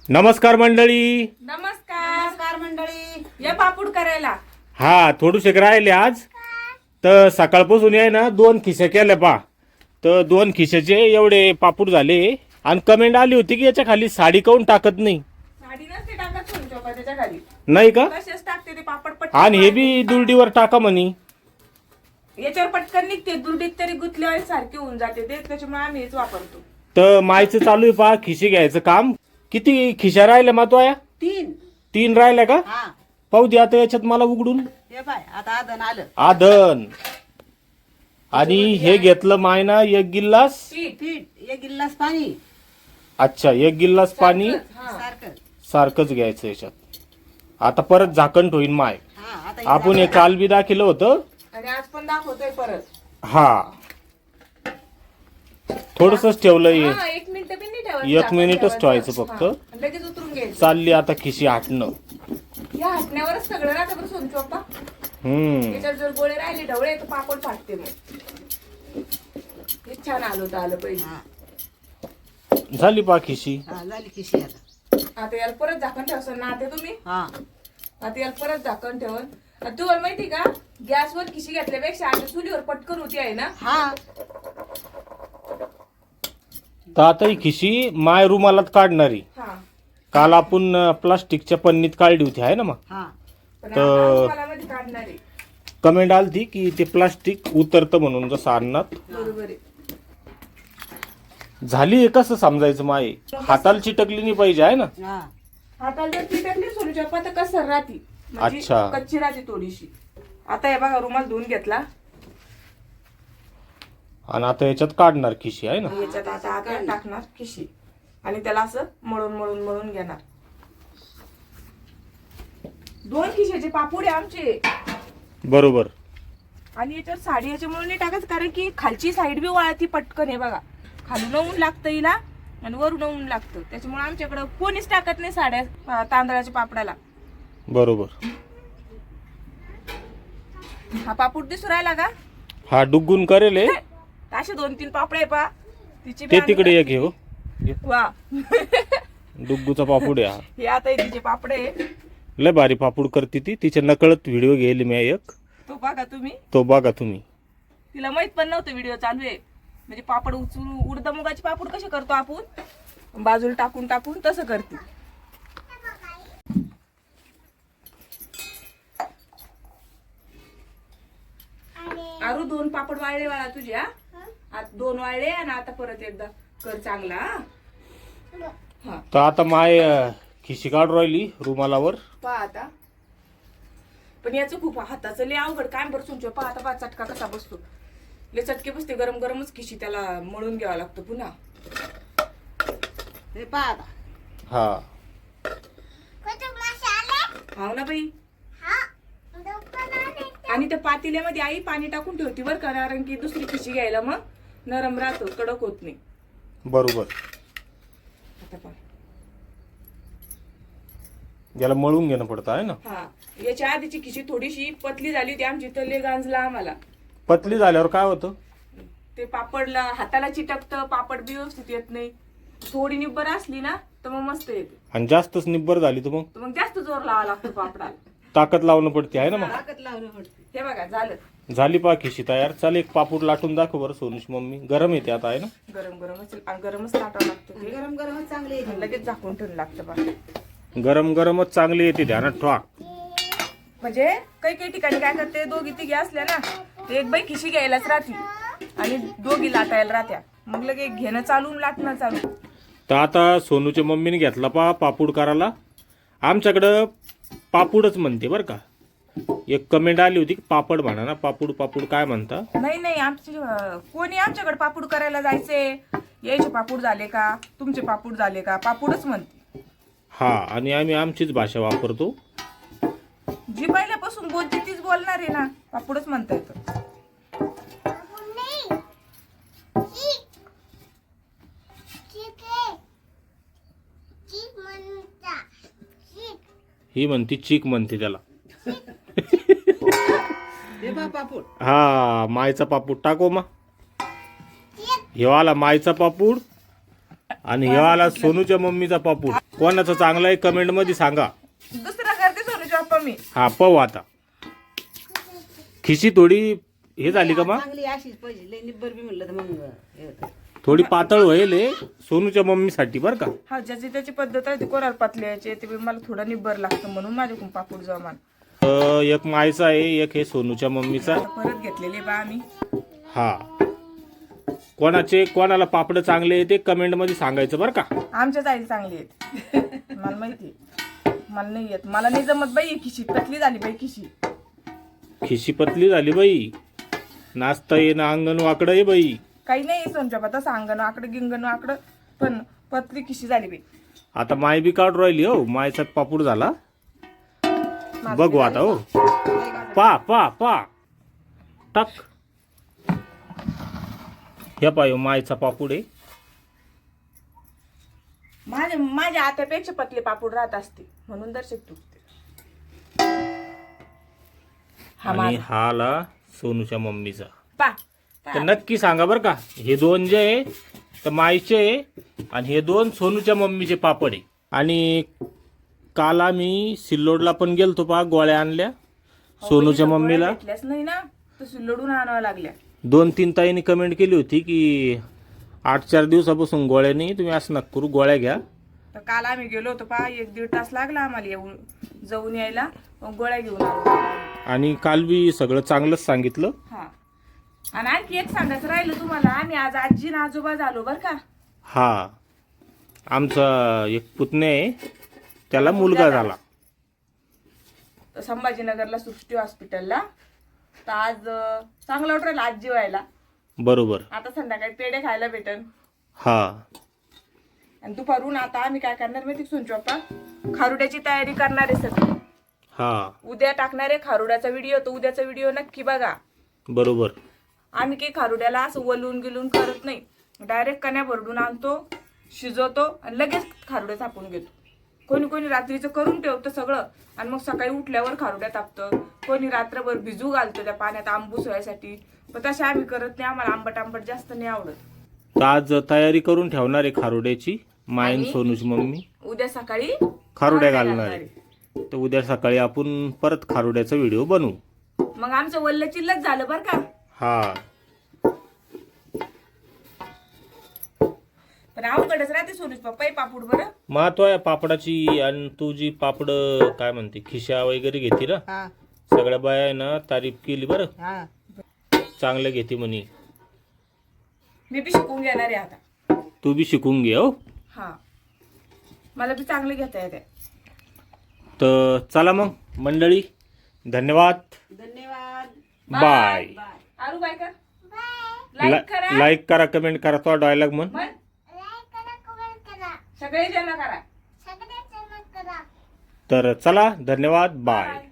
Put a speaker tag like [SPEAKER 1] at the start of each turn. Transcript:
[SPEAKER 1] नमस्कार मंडळी.
[SPEAKER 2] नमस्कार मंडळी. या पापूड करायला
[SPEAKER 1] हा थोडूशे राहिले आज तर सकाळपासून आहे ना 2 खिसे केले पा. तर 2 खिशाचे एवढे पापूड झाले आणि कमेंट आली होती की याच्या खाली साडी काऊन टाकत नाही.
[SPEAKER 2] साडी नसते टाकत सोनचोपा त्याच्या खाली.
[SPEAKER 1] नाही का?
[SPEAKER 2] तसेच टाकते ते पापड पटकन.
[SPEAKER 1] आणि हे बी दुर्डीवर टाका म्हणी.
[SPEAKER 2] याच्यावर पटकन निघते दुर्डीत तरी गुतल्यावर सारखे होऊन जाते ते त्याच्यामुळे आम्ही हेच वापरतो.
[SPEAKER 1] तर मायचं चालू आहे पा खिशी घ्यायचं काम. किती खिशा राहिल्या मा तो या? 3 राहिल्या का?
[SPEAKER 3] हा
[SPEAKER 1] पाहू दे आता याच्यात मला उघडून.
[SPEAKER 3] हे पाय आता आदन आलं.
[SPEAKER 1] आदन आणि हे घेतलं मायना 1 गिल्लास.
[SPEAKER 3] पीठ 1 गिल्लास पाणी
[SPEAKER 1] अच्छा 1 गिल्लास पाणी
[SPEAKER 3] सारखं.
[SPEAKER 1] सारखंच घ्यायचं याच्यात. आता परत झाकण ठेवीन माय.
[SPEAKER 3] हा आता
[SPEAKER 1] आपण हे काल बी दाखिलं होतं.
[SPEAKER 2] आणि आज पण दाखवतोय परत.
[SPEAKER 1] हा थोडसच ठेवलंय.
[SPEAKER 2] हा, 1 मिनिट बी नाही ठेवायचं.
[SPEAKER 1] 1 मिनिटच ठेवायचं फक्त.
[SPEAKER 2] हा, आणि लगेच उतरून घ्यायचं.
[SPEAKER 1] चालली आता खिशी हाटणं.
[SPEAKER 2] या हटण्यावरच सगळं राहतं बरं सोनचोपा. याच्यात जर गोळे राहिले ढवळे तर पापड फाटते मग. हे छान आलं पाहिजे.
[SPEAKER 3] हा
[SPEAKER 1] झाली पा खिशी.
[SPEAKER 3] हा झाली खिशी आता.
[SPEAKER 2] आता याला परत झाकण ठेवसन ना ते तुम्ही.
[SPEAKER 3] हा
[SPEAKER 2] आता याला परत झाकण ठेवून. आणि तुम्हाला माहिती का गॅसवर खिशी घेतल्यापेक्षा आता चुलीवर पटकन होती आहे ना.
[SPEAKER 3] हा
[SPEAKER 1] तर आता ही खिशी माय रुमालात काढणारी.
[SPEAKER 2] हा
[SPEAKER 1] काल आपण प्लास्टिकच्या पन्नीत काढली होती आहे ना मग.
[SPEAKER 3] हा
[SPEAKER 2] पण
[SPEAKER 1] तर-
[SPEAKER 2] आता मध्ये काढणार आहे.
[SPEAKER 1] कमेंट आलती की ते प्लास्टिक उतरतं म्हणून जसं अन्नात.
[SPEAKER 2] बरोबर आहे.
[SPEAKER 1] झाली हे कसं समजायचं माय? हाताला चिटकली नाही पाहिजे आहे ना.
[SPEAKER 3] हा
[SPEAKER 2] हाताला जर ती टाकली सोनूच्या तर कसं राहती म्हणजे
[SPEAKER 1] अच्छा.
[SPEAKER 2] कच्ची राहते थोडीशी. आता हे बघा रुमाल धुवून घेतला.
[SPEAKER 1] आणि आता याच्यात काढणार खिशी आहे ना.
[SPEAKER 2] याच्यात आता आपण टाकणार खिशी आणि त्याला असं मळून घेणार. 2 खिशाचे पापूड आहे आमचे.
[SPEAKER 1] बरोबर.
[SPEAKER 2] आणि याच्यावर साडी याच्यामुळे नाही टाकत कारण की खालची साईड बी वाळती पटकन. हे बघा खालून ऊन लागतं हिला आणि वरून ऊन लागतं त्याच्यामुळे आमच्याकडं कोणीच टाकत नाही साड्या तांदळाच्या पापडाला.
[SPEAKER 1] बरोबर.
[SPEAKER 2] हा पापूड दिसू राहिला का?
[SPEAKER 1] हा डुग्गून करेल हे.
[SPEAKER 2] असे 2-3 पापड आहे पा तिची
[SPEAKER 1] ते तिकडे एक हे हो.
[SPEAKER 2] वा
[SPEAKER 1] डुग्गूचा पापूड आहे हा.
[SPEAKER 2] हे आता हे तिचे पापड आहे.
[SPEAKER 1] लय भारी पापूड करते ती. तिच्या नकळत व्हिडिओ घेईल मी एक.
[SPEAKER 2] तो बघा तुम्ही.
[SPEAKER 1] तो बघा तुम्ही.
[SPEAKER 2] तिला माहित पण नव्हतं व्हिडिओ चालू आहे. म्हणजे पापड उचलून उडदा मुगाचे पापड कसे करतो आपण बाजूला टाकून तसं करते. आरू 2 पापड वाळले वाळा तुझ्या. आता 2 वाळले आणि आता परत एकदा कर चांगला. हा
[SPEAKER 1] तर आता माय खिशी काढून राहिली रुमालावर.
[SPEAKER 2] पहा आता. पण याचं खूप हाताचं लय अवघड काय बरं सुंचो. पहा आता पहा चटका कसा बसतो. लय चटके बसते. गरम गरमच खिशी त्याला मळून घ्यावा लागतं पुन्हा.
[SPEAKER 3] हे पहा आता.
[SPEAKER 1] हा
[SPEAKER 2] हाव ना बाई. आणि त्या पातेल्यामध्ये आई पाणी टाकून ठेवती बरं का कारण की दुसरी खिशी घ्यायला मग नरम राहतो कडक होत नाही.
[SPEAKER 1] बरोबर.
[SPEAKER 2] आता पहा.
[SPEAKER 1] याला मळून घेणं पडतं आहे ना.
[SPEAKER 2] हा याच्या आधीची खिशी थोडीशी पतली झाली होती आमची तर लय गांजला आम्हाला.
[SPEAKER 1] पतली झाल्यावर काय होतं?
[SPEAKER 2] ते पापडला हाताला चिटकतं पापड बी व्यवस्थित येत नाही. थोडी निब्बर असली ना तर मग मस्त येते.
[SPEAKER 1] आणि जास्तच निब्बर झाली तर
[SPEAKER 2] तर मग जास्त जोर लावा लागतो पापडाला.
[SPEAKER 1] ताकद लावणं पडते आहे ना मग.
[SPEAKER 3] ताकद लावलं पडते.
[SPEAKER 2] हे बघा झालं.
[SPEAKER 1] झाली पा खिशी तयार. चाल एक पापूड लाटून दाखव बरं सोनूची मम्मी. गरम येते आता आहे ना.
[SPEAKER 2] गरमच टाकावं लागतं ते.
[SPEAKER 3] गरम गरमच चांगले
[SPEAKER 2] आणि लगेच झाकून ठेवून लागतं बा.
[SPEAKER 1] गरमच चांगली येते ध्यानात ठेवा.
[SPEAKER 2] म्हणजे काही ठिकाणी काय करते 2-3 असल्या ना ते एक बाई खिशी घ्यायलाच राहती आणि 2 लाटायला राहत्या. मग लगे घेणं चालू लाटणं चालू.
[SPEAKER 1] तर आता सोनूच्या मम्मीने घेतला पापूड करायला. आमच्याकडं पापूडच म्हणते बरं का. एक कमेंट आली होती की पापड म्हणा ना. पापूड काय म्हणता?
[SPEAKER 2] नाही आमचे कोणी आमच्याकडे पापूड करायला जायचे यायचे पापूड झाले का तुमचे पापूड झाले का पापूडच म्हणते.
[SPEAKER 1] हा आणि आम्ही आमचीच भाषा वापरतो.
[SPEAKER 2] जी पहिल्यापासून बोलते तीच बोलणार आहे ना. पापूडच म्हणता येतं.
[SPEAKER 1] ही म्हणती चीक म्हणते त्याला.
[SPEAKER 3] हे पहा पापूड.
[SPEAKER 1] हा मायचा पापूड टाको मा. हे वाला मायचा पापूड आणि हे आला सोनूच्या मम्मीचा पापूड. कोणाचा चांगला आहे कमेंट मध्ये सांगा.
[SPEAKER 2] दुसरा करते सोनूचे पप्पा मी.
[SPEAKER 1] हा पाहू आता. खिशी थोडी हे झाली का मग?
[SPEAKER 3] चांगली अशीच पाहिजे. लई निब्बर बी म्हणलं तर मग हे होतं.
[SPEAKER 1] थोडी पातळ होईल हे सोनूच्या मम्मीसाठी बरं का.
[SPEAKER 2] हा ज्याची त्याची पद्धत आहे ती कोणाला पतली यायची ते मला थोडं निब्बर लागतं म्हणून माझ्याकडून पापूड जमान.
[SPEAKER 1] एक मायचा आहे एक हे सोनूच्या मम्मीचा.
[SPEAKER 2] परत घेतलेले बा आम्ही.
[SPEAKER 1] हा कोणाला पापड चांगले आहे ते कमेंट मध्ये सांगायचं बरं का.
[SPEAKER 2] आमच्याच आई चांगली आहेत. मला माहिती मला नाही येत. मला नाही जमत बाई. खिशी पतली झाली बाई.
[SPEAKER 1] खिशी पतली झाली बाई. नाचता येणं अंगण वाकडं आहे बाई.
[SPEAKER 2] काही नाही सोनच्या पता सांगण आकडं गिंगण आकडं पण पतली खिशी झाली बाई.
[SPEAKER 1] आता माय बी काढून राहिली हो. मायचा पापूड झाला. बघू आता हो. पा पा पा टक. हे पाय मायचा पापूड आहे.
[SPEAKER 2] माझ्या आत्यापेक्षा पतले पापूड राहत असते म्हणून दर्शक तुटते.
[SPEAKER 1] आणि हा आला सोनूच्या मम्मीचा.
[SPEAKER 2] पा
[SPEAKER 1] तर नक्की सांगा बरं का. हे दोन जे आहे तर मायचे आहे आणि हे दोन सोनूच्या मम्मीचे पापड आहे. आणि काल आम्ही सिल्लोडला पण गेलतो पा. गोळ्या आणल्या सोनूच्या मम्मीला.
[SPEAKER 2] भेटल्याच नाही ना तर सिल्लोडून आणाव्या लागल्या.
[SPEAKER 1] 2-3 ताईंनी कमेंट केली होती की 8-4 दिवसापासून गोळ्या नाही तुम्ही असं नका करू गोळ्या घ्या.
[SPEAKER 2] तर काल आम्ही गेलो होतो पा. 1-1.5 तास लागला आम्हाला येऊन जाऊन यायला. मग गोळ्या घेऊन आलो.
[SPEAKER 1] आणि काल बी सगळं चांगलंच सांगितलं.
[SPEAKER 2] हा आणि आणखी एक सांगायचं राहिलं तुम्हाला. आम्ही आज आजी आणि आजोबा झालो बर का.
[SPEAKER 1] हा आमचा एक पुतणे आहे त्याला मुलगा झाला.
[SPEAKER 2] संभाजीनगरला सृष्टी हॉस्पिटलला. तर आज चांगला वाटलं आजी व्हायला.
[SPEAKER 1] बरोबर.
[SPEAKER 2] आता संध्याकाळी पेढे खायला भेटन.
[SPEAKER 1] हा
[SPEAKER 2] आणि दुपारून आता आम्ही काय करणार माहिती सोनची पप्पा. खारुड्याची तयारी करणार आहे सगळी.
[SPEAKER 1] हा
[SPEAKER 2] उद्या टाकणार आहे खारुड्याचा व्हिडिओ. तो उद्याचा व्हिडिओ नक्की बघा.
[SPEAKER 1] बरोबर.
[SPEAKER 2] आम्ही काही खारुड्याला असं वलून गिलून करत नाही. डायरेक्ट कण्या भरडून आणतो शिजवतो आणि लगेच खारुड्या थापून घेतो. कोणी कोणी रात्रीचं करून ठेवतं सगळं आणि मग सकाळी उठल्यावर खारुड्या तापतं. कोणी रात्रभर भिजू घालतं त्या पाण्यात आंबूस व्हायसाठी. पण तसे आम्ही करत नाही. आम्हाला आंबट जास्त नाही आवडत.
[SPEAKER 1] तर आज तयारी करून ठेवणार आहे खारुड्याची मायन सोनूची मम्मी.
[SPEAKER 2] उद्या सकाळी
[SPEAKER 1] खारुड्या घालणार आहे. तर उद्या सकाळी आपण परत खारुड्याचा व्हिडिओ बनवू.
[SPEAKER 2] मग आमचं वल्ल चिल्लच झालं बरं का.
[SPEAKER 1] हा
[SPEAKER 2] पण अवघडच राहते सोनूच पप्पा पापूड बरं.
[SPEAKER 1] महत्व आहे पापडाची. आणि तू जी पापड काय म्हणते खिशा वगैरे घेते ना
[SPEAKER 3] हा
[SPEAKER 1] सगळ्या बाया आहे ना तारीफ केली बरं.
[SPEAKER 3] हा
[SPEAKER 1] चांगलं घेते म्हणे.
[SPEAKER 2] मी बी शिकून घेणार आहे आता.
[SPEAKER 1] तू बी शिकून घे हो.
[SPEAKER 2] हा मला बी चांगलं घेता येते.
[SPEAKER 1] तर चला मग मंडळी धन्यवाद.
[SPEAKER 3] धन्यवाद.
[SPEAKER 1] बाय.
[SPEAKER 2] आरू बाय कर. लाईक करा.
[SPEAKER 1] लाईक करा कमेंट करा. तो डायलॉग म्हण.
[SPEAKER 2] सगळे जण करा.
[SPEAKER 1] तर चला धन्यवाद बाय.